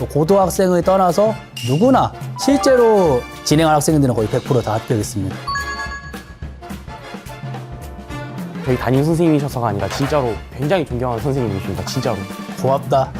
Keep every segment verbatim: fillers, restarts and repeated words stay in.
또 고등학생을 떠나서 누구나 실제로 진행한 학생들은 거의 백 퍼센트 다 합격했습니다. 저희 담임 선생님이셔서가 아니라 진짜로 굉장히 존경하는 선생님이십니다. 진짜로. 고맙다.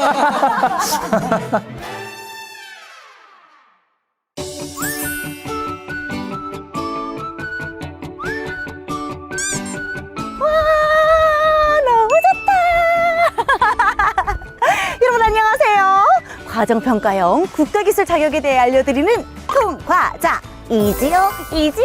여러분 안녕하세요. 과정평가형 국가기술 자격에 대해 알려드리는 통과자 이지요 이지요.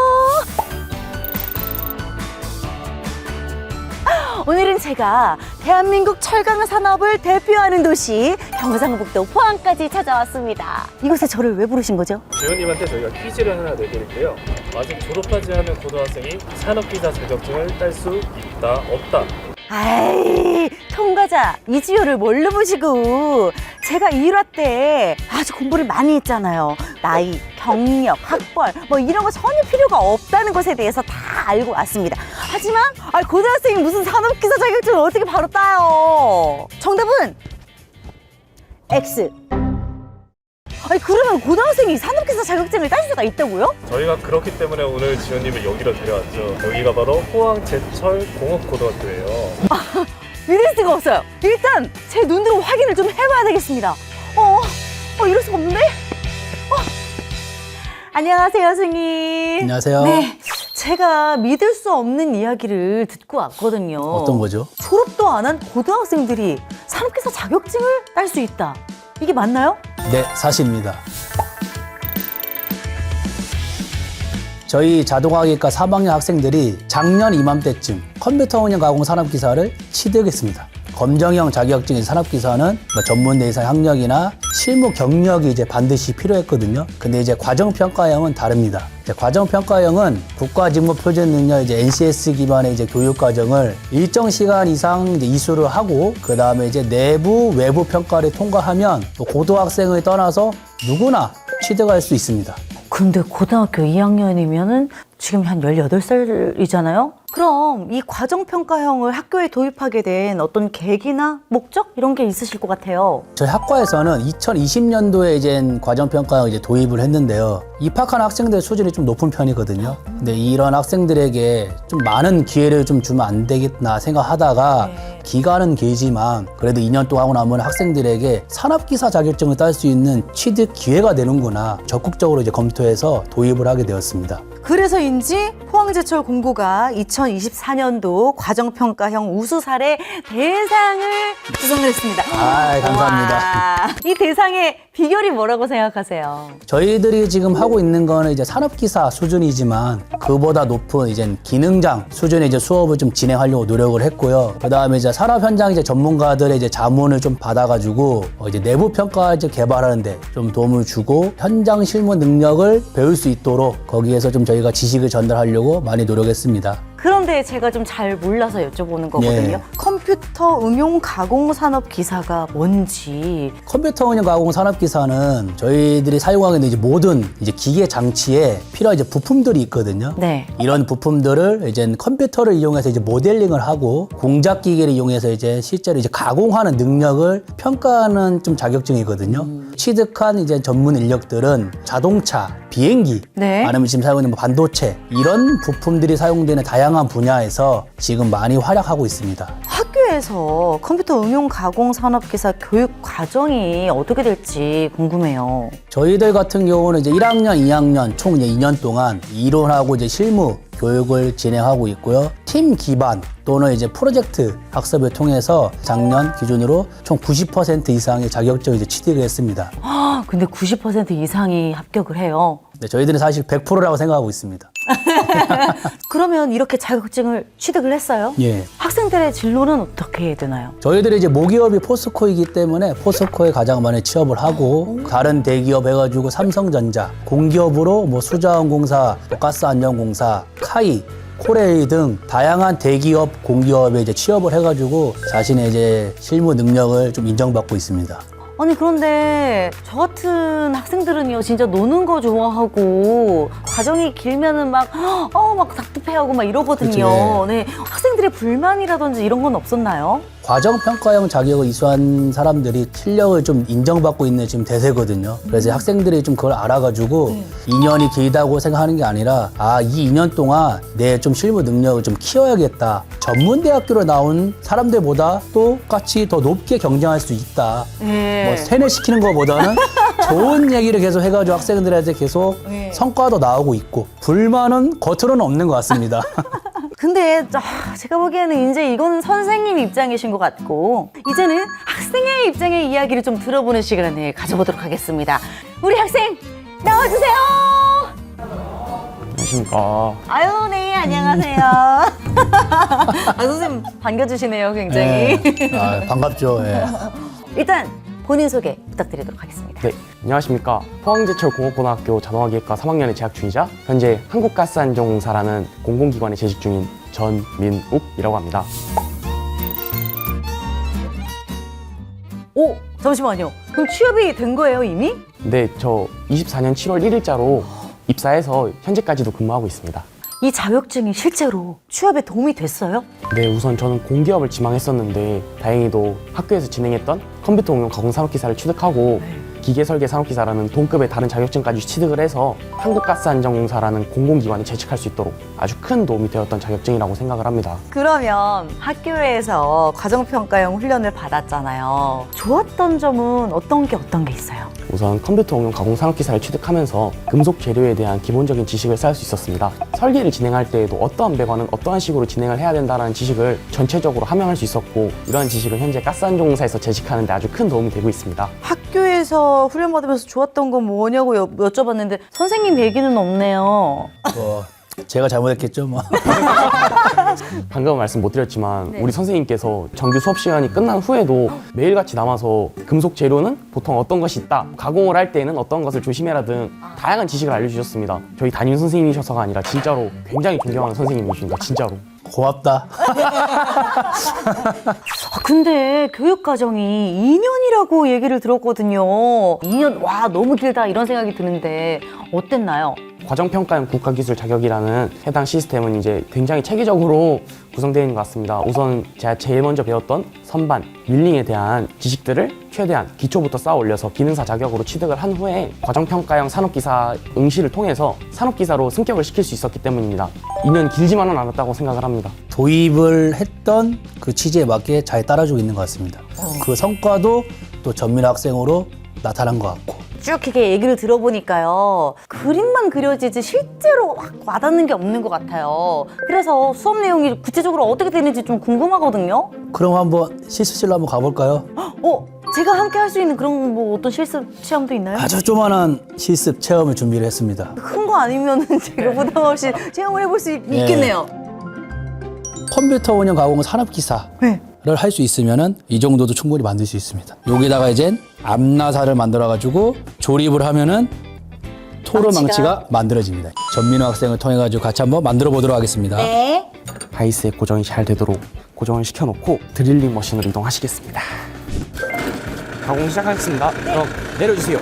오늘은 제가 대한민국 철강 산업을 대표하는 도시 경상북도 포항까지 찾아왔습니다. 이곳에 저를 왜 부르신 거죠? 지원님한테 저희가 퀴즈를 하나 내드릴게요. 아직 졸업하지 않은 고등학생이 산업기사 자격증을 딸 수 있다, 없다. 아이, 통과자 이지효를 뭘로 보시고. 제가 일 화 때 아주 공부를 많이 했잖아요. 나이, 경력, 학벌 뭐 이런 거 전혀 필요가 없다는 것에 대해서 다 알고 왔습니다. 하지만 아, 고등학생이 무슨 산업기사 자격증을 어떻게 바로 따요? 정답은 X. 아니 그러면 고등학생이 산업기사 자격증을 딸 수가 있다고요? 저희가 그렇기 때문에 오늘 지원님을 여기로 데려왔죠. 여기가 바로 포항제철공업고등학교예요. 믿을 수가 없어요. 일단 제 눈으로 확인을 좀 해봐야 되겠습니다. 어, 어 이럴 수가 없는데? 어. 안녕하세요, 선생님. 안녕하세요. 네, 제가 믿을 수 없는 이야기를 듣고 왔거든요. 어떤 거죠? 졸업도 안 한 고등학생들이 산업기사 자격증을 딸 수 있다. 이게 맞나요? 네, 사실입니다. 저희 자동화기과 삼 학년 학생들이 작년 이맘때쯤 컴퓨터 운영 가공 산업기사를 취득했습니다. 검정형 자격증인 산업기사는 뭐 전문대 이상 학력이나 실무 경력이 이제 반드시 필요했거든요. 근데 이제 과정평가형은 다릅니다. 이제 과정평가형은 국가직무표준능력 이제 엔씨에스 기반의 이제 교육과정을 일정 시간 이상 이제 이수를 하고 그 다음에 이제 내부 외부 평가를 통과하면 또 고등학생을 떠나서 누구나 취득할 수 있습니다. 근데 고등학교 이 학년이면은 지금 한 열여덟 살이잖아요? 그럼 이 과정평가형을 학교에 도입하게 된 어떤 계기나 목적? 이런 게 있으실 것 같아요. 저희 학과에서는 이천이십 년도에 이제 과정평가형 이제 도입을 했는데요. 입학한 학생들 수준이 좀 높은 편이거든요. 근데 이런 학생들에게 좀 많은 기회를 좀 주면 안 되겠나 생각하다가 네. 기간은 길지만 그래도 이 년 동안 하고 나면 학생들에게 산업기사 자격증을 딸 수 있는 취득 기회가 되는구나 적극적으로 이제 검토해서 도입을 하게 되었습니다. 그래서인지 포항제철 공고가 이천이십사 년도 과정평가형 우수 사례 대상을 수상을 했습니다. 아, 감사합니다. 와, 이 대상의 비결이 뭐라고 생각하세요? 저희들이 지금 하고 있는 거는 이제 산업기사 수준이지만 그보다 높은 이제 기능장 수준의 이제 수업을 좀 진행하려고 노력을 했고요. 그 다음에 이제 산업 현장 이제 전문가들의 이제 자문을 좀 받아가지고 어 이제 내부 평가 이제 개발하는데 좀 도움을 주고 현장 실무 능력을 배울 수 있도록 거기에서 좀 저희가 지식을 전달하려고 많이 노력했습니다. 그런데 제가 좀 잘 몰라서 여쭤보는 거거든요. 예. 컴퓨터 응용 가공 산업 기사가 뭔지. 컴퓨터 운영 가공 산업 기사는 저희들이 사용하고 있는 이제 모든 이제 기계 장치에 필요한 이제 부품들이 있거든요. 네. 이런 부품들을 이제 컴퓨터를 이용해서 이제 모델링을 하고 공작 기계를 이용해서 이제 실제로 이제 가공하는 능력을 평가하는 좀 자격증이거든요. 음. 취득한 이제 전문 인력들은 자동차, 비행기, 네. 아니면 지금 사용하고 있는 뭐 반도체 이런 부품들이 사용되는 다양한 분야에서 지금 많이 활약하고 있습니다. 학교에서 컴퓨터 응용 가공 산업 기사 교육 과정이 어떻게 될지 궁금해요. 저희들 같은 경우는 이제 일 학년, 이 학년 총 이제 이 년 동안 이론하고 이제 실무 교육을 진행하고 있고요. 팀 기반 또는 이제 프로젝트 학습을 통해서 작년 기준으로 총 구십 퍼센트 이상의 자격증을 이제 취득을 했습니다. 아, 근데 구십 퍼센트 이상이 합격을 해요. 네, 저희들은 사실 백 퍼센트라고 생각하고 있습니다. 그러면 이렇게 자격증을 취득을 했어요? 예. 학생들의 진로는 어떻게 해야 되나요? 저희들이 이제 모기업이 포스코이기 때문에 포스코에 가장 많이 취업을 하고 다른 대기업 해가지고 삼성전자, 공기업으로 뭐 수자원공사, 또 가스안전공사, 카이, 코레일 등 다양한 대기업, 공기업에 이제 취업을 해가지고 자신의 이제 실무 능력을 좀 인정받고 있습니다. 아니 그런데 저 같은 학생들은요 진짜 노는 거 좋아하고 과정이 길면은 막 어 막 답답해하고 막 이러거든요. 그치. 네, 학생들의 불만이라든지 이런 건 없었나요? 과정평가형 자격을 이수한 사람들이 실력을 좀 인정받고 있는 지금 대세거든요. 그래서 학생들이 좀 그걸 알아가지고 이 년이 길다고 생각하는 게 아니라 아, 이 이 년 동안 내 좀 실무 능력을 좀 키워야겠다. 전문대학교로 나온 사람들보다 똑같이 더 높게 경쟁할 수 있다. 네. 뭐 세뇌시키는 것보다는 좋은 얘기를 계속 해가지고 학생들한테 계속 네. 성과도 나오고 있고 불만은 겉으로는 없는 것 같습니다. 근데 아, 제가 보기에는 이제 이건 선생님 입장이신 것 같고 이제는 학생의 입장의 이야기를 좀 들어보는 시간을 가져보도록 하겠습니다. 우리 학생 나와주세요. 안녕하십니까. 아유 네 안녕하세요. 아, 선생님 반겨주시네요 굉장히. 네. 아, 반갑죠. 예. 일단 본인 소개 부탁드리도록 하겠습니다. 네, 안녕하십니까. 포항제철공업고등학교 자동화기획과 삼 학년에 재학 중이자 현재 한국가스안전공사라는 공공기관에 재직 중인 전민욱이라고 합니다. 오 잠시만요. 그럼 취업이 된 거예요 이미? 네, 저 이십사 년 칠월 일일자로 입사해서 현재까지도 근무하고 있습니다. 이 자격증이 실제로 취업에 도움이 됐어요? 네, 우선 저는 공기업을 지망했었는데 다행히도 학교에서 진행했던 컴퓨터 응용 가공 산업기사를 취득하고 기계설계 산업기사라는 동급의 다른 자격증까지 취득을 해서 한국가스안전공사라는 공공기관에 재직할 수 있도록 아주 큰 도움이 되었던 자격증이라고 생각을 합니다. 그러면 학교에서 과정평가형 훈련을 받았잖아요. 좋았던 점은 어떤 게 어떤 게 있어요? 우선 컴퓨터 응용 가공 산업기사를 취득하면서 금속 재료에 대한 기본적인 지식을 쌓을 수 있었습니다. 설계를 진행할 때에도 어떠한 배관은 어떠한 식으로 진행을 해야 된다는 지식을 전체적으로 함양할 수 있었고 이러한 지식은 현재 가스안전공사에서 재직하는 데 아주 큰 도움이 되고 있습니다. 학교에서 훈련 받으면서 좋았던 건 뭐냐고 여, 여쭤봤는데 선생님 얘기는 없네요. 뭐 제가 잘못했겠죠. 뭐. 방금 말씀 못 드렸지만 네. 우리 선생님께서 정규 수업 시간이 끝난 후에도 매일같이 남아서 금속 재료는 보통 어떤 것이 있다, 가공을 할 때는 어떤 것을 조심해라 등 다양한 지식을 알려주셨습니다. 저희 담임 선생님이셔서가 아니라 진짜로 굉장히 존경하는 선생님이십니다. 진짜로. 고맙다. 아, 근데 교육과정이 이 년이라고 얘기를 들었거든요. 이 년, 와, 너무 길다 이런 생각이 드는데 어땠나요? 과정평가형 국가기술 자격이라는 해당 시스템은 이제 굉장히 체계적으로 구성되어 있는 것 같습니다. 우선 제가 제일 먼저 배웠던 선반, 밀링에 대한 지식들을 최대한 기초부터 쌓아 올려서 기능사 자격으로 취득을 한 후에 과정평가형 산업기사 응시를 통해서 산업기사로 승격을 시킬 수 있었기 때문입니다. 이 년 길지만은 않았다고 생각을 합니다. 도입을 했던 그 취지에 맞게 잘 따라주고 있는 것 같습니다. 그 성과도 또 전민 학생으로 나타난 것 같고. 쭉 이렇게 얘기를 들어보니까요. 그림만 그려지지 실제로 확 와닿는 게 없는 것 같아요. 그래서 수업 내용이 구체적으로 어떻게 되는지 좀 궁금하거든요. 그럼 한번 실습실로 한번 가볼까요? 어? 제가 함께 할 수 있는 그런 뭐 어떤 실습 체험도 있나요? 아주 조만한 실습 체험을 준비를 했습니다. 큰 거 아니면 제가 부담 없이 체험을 해볼 수 있, 네. 있겠네요. 컴퓨터 운영 가공 산업기사. 네. 를 할 수 있으면은 이 정도도 충분히 만들 수 있습니다. 여기다가 이제 암나사를 만들어 가지고 조립을 하면은 토르 망치가. 망치가 만들어집니다. 전민호 학생을 통해 가지고 같이 한번 만들어 보도록 하겠습니다. 네. 바이스에 고정이 잘 되도록 고정을 시켜놓고 드릴링 머신으로 이동하시겠습니다. 가공 시작하겠습니다. 그럼 내려주세요.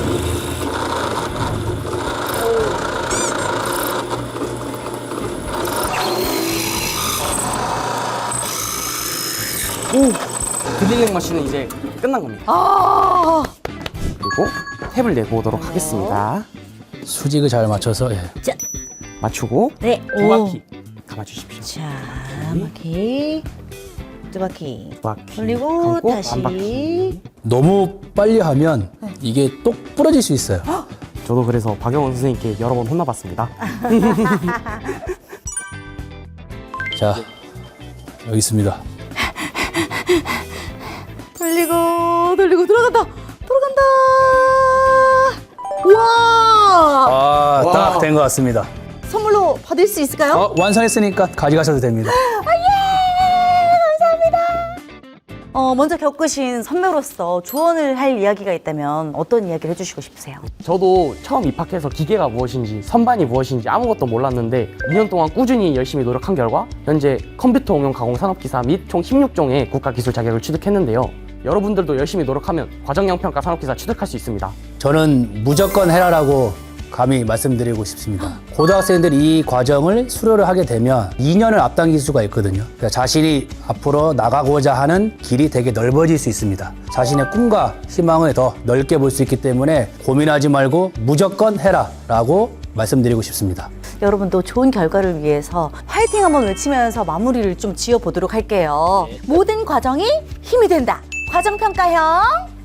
오! 드릴링 머신은 이제 끝난 겁니다. 아. 그리고 탭을 내보도록 하겠습니다. 수직을 잘 맞춰서 예. 자. 맞추고 네. 두 바퀴 감아주십시오. 자, 한 바퀴. 두 바퀴. 두 바퀴 돌리고 감고 다시. 반 바퀴. 너무 빨리 하면 이게 똑 부러질 수 있어요. 저도 그래서 박영원 선생님께 여러 번 혼나봤습니다. 자, 여기 있습니다. 돌리고 돌리고 들어간다. 들어간다. 와! 아, 와. 딱 된 것 같습니다. 선물로 받을 수 있을까요? 어, 완성했으니까 가져가셔도 됩니다. 어, 먼저 겪으신 선배로서 조언을 할 이야기가 있다면 어떤 이야기를 해주시고 싶으세요? 저도 처음 입학해서 기계가 무엇인지 선반이 무엇인지 아무것도 몰랐는데 이 년 동안 꾸준히 열심히 노력한 결과 현재 컴퓨터 응용 가공 산업기사 및 총 십육 종의 국가기술 자격을 취득했는데요. 여러분들도 열심히 노력하면 과정형 평가 산업기사 취득할 수 있습니다. 저는 무조건 해라라고 감히 말씀드리고 싶습니다. 고등학생들이 이 과정을 수료를 하게 되면 이 년을 앞당길 수가 있거든요. 그러니까 자신이 앞으로 나가고자 하는 길이 되게 넓어질 수 있습니다. 자신의 꿈과 희망을 더 넓게 볼 수 있기 때문에 고민하지 말고 무조건 해라 라고 말씀드리고 싶습니다. 여러분도 좋은 결과를 위해서 화이팅 한번 외치면서 마무리를 좀 지어보도록 할게요. 모든 과정이 힘이 된다. 과정평가형